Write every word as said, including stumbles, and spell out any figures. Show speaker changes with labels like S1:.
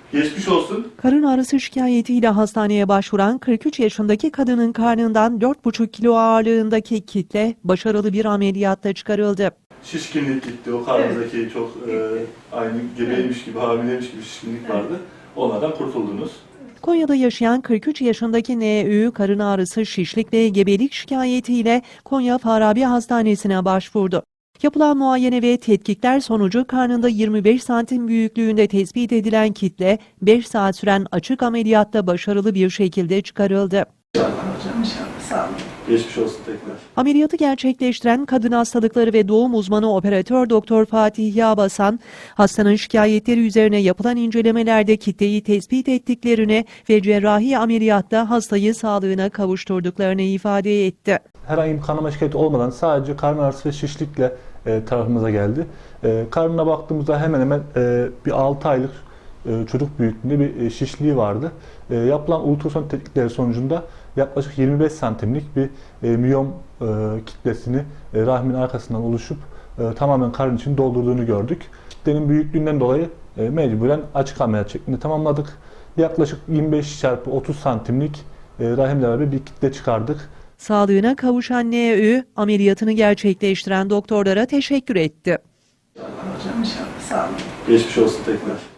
S1: Geçmiş olsun.
S2: Karın ağrısı şikayetiyle hastaneye başvuran kırk üç yaşındaki kadının karnından dört buçuk kilo ağırlığındaki kitle başarılı bir ameliyatta çıkarıldı.
S1: Şişkinlik gitti. O karnınızdaki evet. çok e, aynı gebeymiş gibi, hamileymiş gibi şişkinlik evet. vardı. Onlardan kurtuldunuz.
S2: Konya'da yaşayan kırk üç yaşındaki N Ü karın ağrısı, şişlik ve gebelik şikayetiyle Konya Farabi Hastanesi'ne başvurdu. Yapılan muayene ve tetkikler sonucu karnında yirmi beş santim büyüklüğünde tespit edilen kitle beş saat süren açık ameliyatta başarılı bir şekilde çıkarıldı.
S3: İnşallah hocam, inşallah. Sağ olun.
S1: Geçmiş olsun tekrar.
S2: Ameliyatı gerçekleştiren kadın hastalıkları ve doğum uzmanı operatör doktor Fatih Yağbasan, hastanın şikayetleri üzerine yapılan incelemelerde kitleyi tespit ettiklerini ve cerrahi ameliyatta hastayı sağlığına kavuşturduklarını ifade etti.
S4: Herhangi bir kanama şikayeti olmadan sadece karın ağrısı ve şişlikle e, tarafımıza geldi. E, karnına baktığımızda hemen hemen e, bir altı aylık e, çocuk büyüklüğünde bir e, şişliği vardı. E, yapılan ultrason tetkikleri sonucunda yaklaşık yirmi beş santimlik bir e, miyom e, kitlesini e, rahmin arkasından oluşup e, tamamen karın için doldurduğunu gördük. Kitlenin büyüklüğünden dolayı e, mecburen açık ameliyat şeklinde tamamladık. Yaklaşık yirmi beş çarpı otuz santimlik e, rahimle beraber bir kitle çıkardık.
S2: Sağlığına kavuşan N Ü ameliyatını gerçekleştiren doktorlara teşekkür etti.
S3: İnşallah hocam, inşallah. Sağ olun.
S1: Geçmiş olsun tekrar.